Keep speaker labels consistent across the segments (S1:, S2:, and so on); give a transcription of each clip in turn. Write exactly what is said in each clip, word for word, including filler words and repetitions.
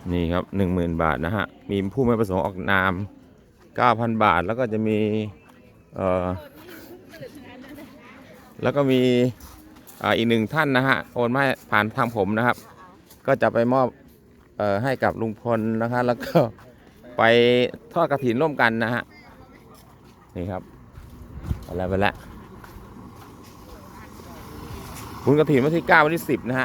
S1: นี่ครับหนึ่งหมื่นบาทนะฮะมีผู้ไม่ประสงค์ออกนามเก้าพันบาทแล้วก็จะมีเอ่อแล้วก็มีอ่าอีกหนึ่งท่านนะฮะโอนมาผ่านทางผมนะครับก็จะไปมอบเอ่อให้กับลุงพลนะคะแล้วก็ไปทอดกฐินร่วมกันนะฮะนี่ครับอะไรไปแล้วบุญกฐินวันที่เก้าวันที่สิบนะฮะ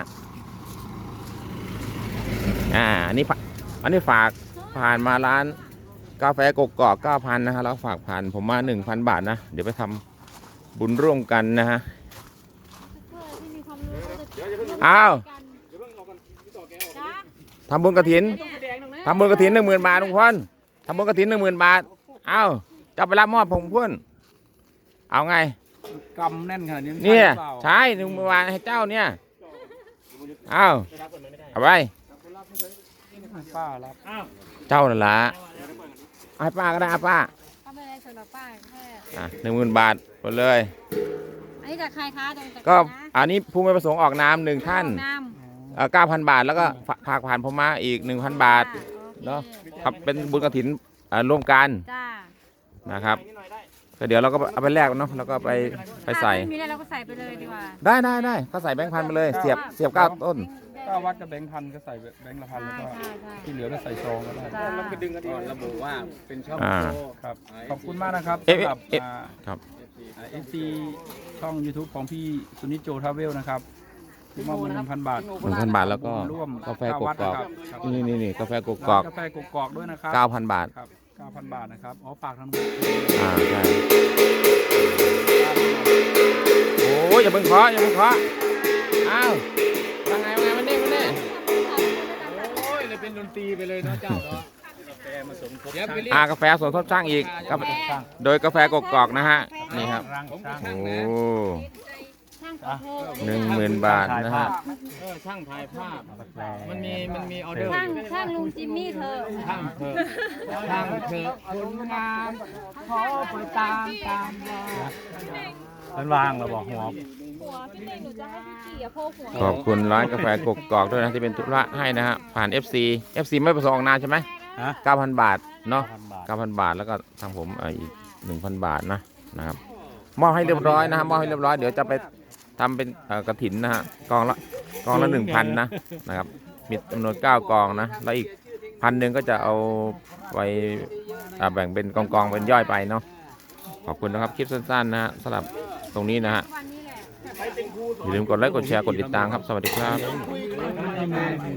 S1: อ่าอันนี้อันนี้ฝากผ่านมาร้านกาแฟกกอกเก้าพันนะฮะแล้วฝากผ่านผมมาหนึ่งพันบาทนะเดี๋ยวไปทำบุญร่วมกันนะฮะอ้าวทำบุญกฐินทำบุญกฐินหนึ่งหมื่นบาทลุงพลทำบุญกฐินหนึ่งหมื่นบาทอ้าวจะไปรับมอบผมพุ่นเอาไง
S2: กำแน่นขนาดนี้
S1: เนี่ยใช่หนึ่งหมื่นบาทให้เจ้าเนี่ยอ้าวเอาไป
S2: ป้ารับ
S1: เจ้านั่นละให้ป้าก็ได้ป้า
S3: ป้าไม่ได้สำหรับป้าแค่
S1: อ่ะหนึ่งหมื่นบาทหมดเลย
S3: อันนี้จากใครคะ
S1: ก็อันนี้ผู้ไม่ประสงค์ออกนามหนึ่งท่านเก้าพันบาทแล้วก็ฝากผ่านผมมาอีกหนึ่งพันบาทเนาะครับเป็นบุญกฐินร่วมกันนะครับก็เดี๋ยวเราก็เอาไปแลกเนาะแล้วก็ไปไปใส่
S3: มีอะไรเราก็ใส่ไปเลยดีกว่า
S1: ได้ได้ได้ก็ใส่แบงค์พันไปเลยเสียบเสียบเก้าต้น
S2: ก็วัดกับแบงค์พันก็ใส่แบงค์ละพันแล้วก็ที่เหลือก็ใส่ซองก็ได้แล้วก็ดึงกันดีระบุว่าเป็นช่องโชว์ครับขอบคุณมากนะครับสำหรับ
S1: ครับ
S2: เอฟซีช่อง ยูทูบ ของพี่สุนิจโจทราเวลนะครับมอบเงินหนึ่งพันบาท
S1: หนึ่งพันบาทแล้วก็
S2: ร่วม
S1: กาแฟกกอกนี่นี่นี่กาแฟกกอก
S2: กาแฟกกอกด้วยนะครับ
S1: เก้าพันบาท
S2: ครับเก้าพันบาทนะครับอ๋อฝากทาง
S1: อ่าใช่โอ้ยอย่าเพิ่งเคาะอย่าเพิ่งเคาะอ้าวยังไงยังไงมันนี่มันนี่
S2: โอ้ยเลยเป็นดนตรีไปเลยเนาะเจ้าเนาะ
S1: อ่ากาแฟสวนทบช่างอีกโดยกาแฟกกอกนะฮะนี่ครับโอ้หนึ่งหมื่นบาทนะฮะ
S2: ช่างถ่ายภาพมันมีมันมีออเดอร์
S3: ช่างช่างลุงจิมมี่เธอ
S2: ช่างเธอช่างเธอคนงามขอไปตามตามมันวางเราบอกหัว
S1: ขอบคุณร้านกาแฟกกอกด้วยนะที่เป็นธุระให้นะฮะผ่าน เอฟ ซี เอฟ ซี ไม่ประสงค์ออกนามใช่ไหมเก้าพันบาทเนาะเก้าพันบาทแล้วก็ทางผมอีกหนึ่งพันบาทนะนะครับมอบให้เรียบร้อยนะฮะมอบให้เรียบร้อยเดี๋ยวจะไปทำเป็นกฐินนะฮะกองละกองละหนึ่งพันนะนะครับมีจำนวนเก้ากองนะแล้วอีกพันหนึ่งก็จะเอาไปแบ่งเป็นกองกองเป็นย่อยไปเนาะขอบคุณนะครับคลิปสั้นๆนะฮะสำหรับตรงนี้นะฮะอย่าลืมกดไลค์กดแชร์กดติดตามครับสวัสดีครับ